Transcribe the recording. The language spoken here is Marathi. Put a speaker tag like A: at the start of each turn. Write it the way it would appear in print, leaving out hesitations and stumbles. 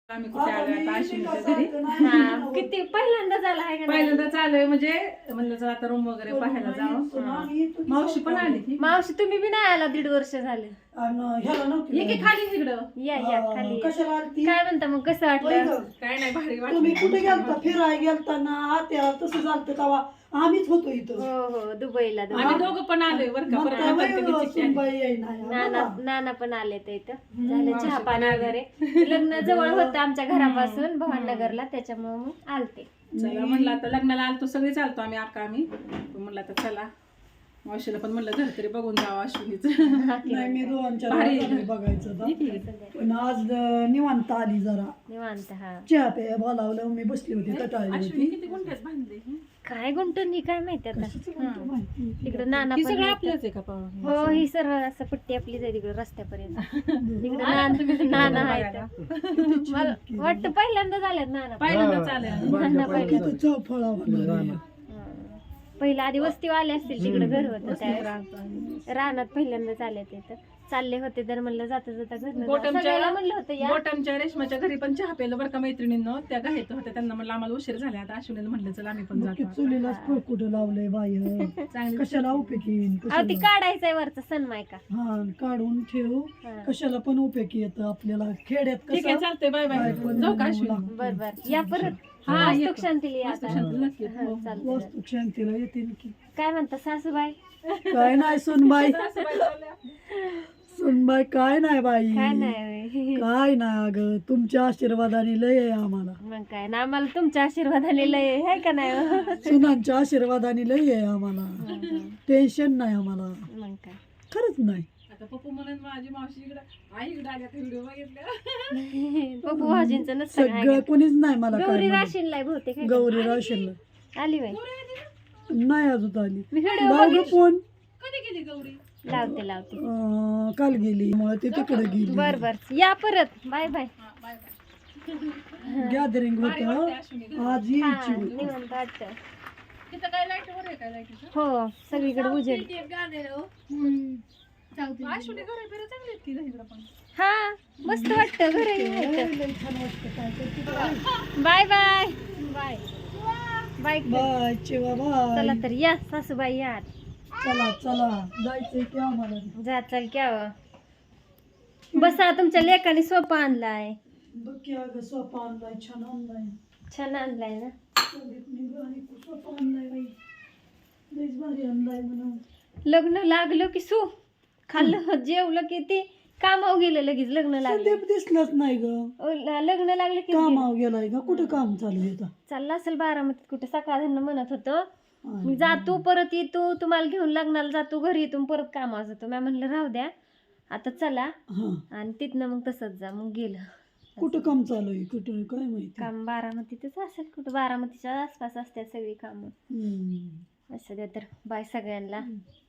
A: आम्ही कुठे आलो आता अश्विनीच्या घरी.
B: हा किती पहिल्यांदा झाला आहे का नाही?
A: पहिल्यांदा चालू म्हणजे म्हणलं चला आता रूम वगैरे पाहायला जावं. मावशी पण आली ती.
B: मावशी तुम्ही बी नाही आला 1.5 वर्ष झाले.
A: ये की खाली तिकडं.
B: या खाली
C: कशाला आलती?
B: काय म्हणता मग कसं वाटलं?
A: काय नाही भारी
C: तुम्ही
A: वाटलं.
C: कुठे गेलता फिरायला गेलताना आत्या तसं झालं तेव्हा आम्हीच होतो इथं.
B: हो दुबईला
A: आम्ही दोघं पण आलोय बरं का. परत नंतर ते चिठ्ठी आली.
C: सुनबाई येईना या.
B: नाना नाना पण आले ते इथं झालं चहा पाणी वगैरे. लग्न जवळ होतं आमच्या घरापासून भवाननगरला त्याच्यामुळे मग आलते.
A: चला म्हणलं आता लग्नाला आलतो सगळे चालतो आम्ही म्हणलं आता चला मावशीला पण म्हणलं घर तरी बघून जावं अश्विनीचं.
C: नाही मी दोनच्या
A: भारी.
C: बघायचं होतं. पण आज निवांत आली जरा
B: निवांत हा
C: चहा प्या बोलावलं मी बसली होती कटाळली
A: अश्विनी
C: होती.
A: किती गुंठ्यात बांधले
B: काय गुंटून ही काय माहिती आता.
C: माहिती.
B: तिकडे नाना
A: ही
B: पण
A: सगळं
B: आहेत.
A: आपलंच आहे का पाहून?
B: हो ही सरळ असं पट्टी आपलीच आहे तिकडे रस्त्यापर्यंत. तिकडे नाना आहेत. मला वाटतं पहिल्यांदा झाल्यात नाना.
A: पहिल्यांदा चालेल.
B: नाना पहिल्यांदा.
C: किती चौफळा होणार.
B: पहिला आधी वस्ती आले असतील तिकडे घर होतं त्यावेळेस रानात पहिल्यांदा आले तिथं चालले होते तर म्हणलं जाता जाता सगळ्याला म्हणलं होतं या
A: गोटमच्या रेशमाच्या घरी पण चहा प्यायला बरं का मैत्रिणींनो. त्या गायत होत्या त्यांना म्हणलं आम्हाला उशीर झाला आता अश्विनीला म्हणलं चला आम्ही पण जातो.
C: चुलीलाच फळ कुठं लावलंय बाय
A: चांगली
C: कशाला उपयोगी येईन,
B: अहो ती
C: कशाला
B: काढायचंय वरचं सनमाय का
C: हा काढून ठेव
B: हा.
C: कशाला पण उपयोगी येतं आपल्याला खेड्यात
A: ठीक आहे
C: कसं
A: चालतंय बाय बाय जाऊ का अश्विनी?
B: बर बर या परत
A: हा,
B: वास्तुक
A: येतो.
B: शांतीला या आता.
A: शांती नक्की.
B: हा, चालतंय.
C: वास्तू शांतीला येतील की
B: काय म्हणता सासूबाई
C: काय नाही सुनबाई
A: सासूबाई चालल्या.
C: सुनबाई काय नाही बाई
B: काय नाही
C: काय नाही अगं तुमच्या आशीर्वादाने लय आहे आम्हाला
B: मग काय ना आम्हाला तुमच्या आशीर्वादाने लय आहे का नाही हो?
C: सुनांच्या आशीर्वादाने लय आहे आम्हाला टेन्शन नाही आम्हाला
B: मग काय
C: खरंच नाही
A: आता पप्पू म्हणून माझी मावशी इकडं आई इकडं आल्या व्हिडिओ बघितल्या.
B: पप्पू भाजींचं नसतं काय
C: सगळं कोणीच नाही मला काय
B: गौरी
C: म्हणत.
B: राशीनला बहुतेक आहे का?
C: गौरी राशील
B: आली बाई
C: नाही अजून आली
B: मी व्हिडिओ
C: लाव गं फोन
A: कधी गेली गौरी?
B: लावते
C: काल गेली मुळे ती तिकडे गेली
B: बर बर या परत बाय बाय
A: हा, बाय बाय.
C: गॅदरिंग
A: भारी
C: होत
A: वाटतंय अश्विनी.
C: आज
B: हा
C: यायची होती
B: निवांत वाटतं.
A: तिथं काय लाईट वर आहे काय लाईटीचं?
B: हो सगळीकडे उजेड
A: अश्विनी घर फिरत चांगली आहेत की इकडं पण.
B: हा मस्त वाटतं घर
C: लय छान वाटतं काय करते.
B: Bye bye bye bye
C: bye चिवा
B: चला
C: बाय
B: तर या सासूबाई या
C: चला चला जायचंय की आम्हाला
B: जा चल क्या बसा तुमच्या लेकाने सोपा आणलाय
C: बघ की अगं सोपा आणलाय छान आणलाय
B: छान आणलाय ना
C: सोपा आणलाय बाई लयच भारी आणलाय म्हणून
B: लग्न लागलं की सू खाल्लं जेवलं की ते कामावर गेलं लगेच लग्न लागलं
C: संदीप दिसलाच नाही ग
B: लग्न लागलं की
C: कामावर गेलाय का कुठं काम चालू आहे आता?
B: चाललं असेल बारामतीत कुठे सकाळ म्हणत होतं मी जातो परत येतो तुम्हाला घेऊन लग्नाला जातो घरी येतो परत कामावर जातो मी म्हणलं राहू द्या आता चला
C: हा
B: आणि तिथनं मग तसंच जा मग गेलं
C: कुठं काम चालू आहे कुठं काय माहिती
B: काम बारामतीतच असेल कुठं बारामतीच्या आसपास असतात सगळी कामं
C: हम्म.
B: असं द्या तर बाय सगळ्यांना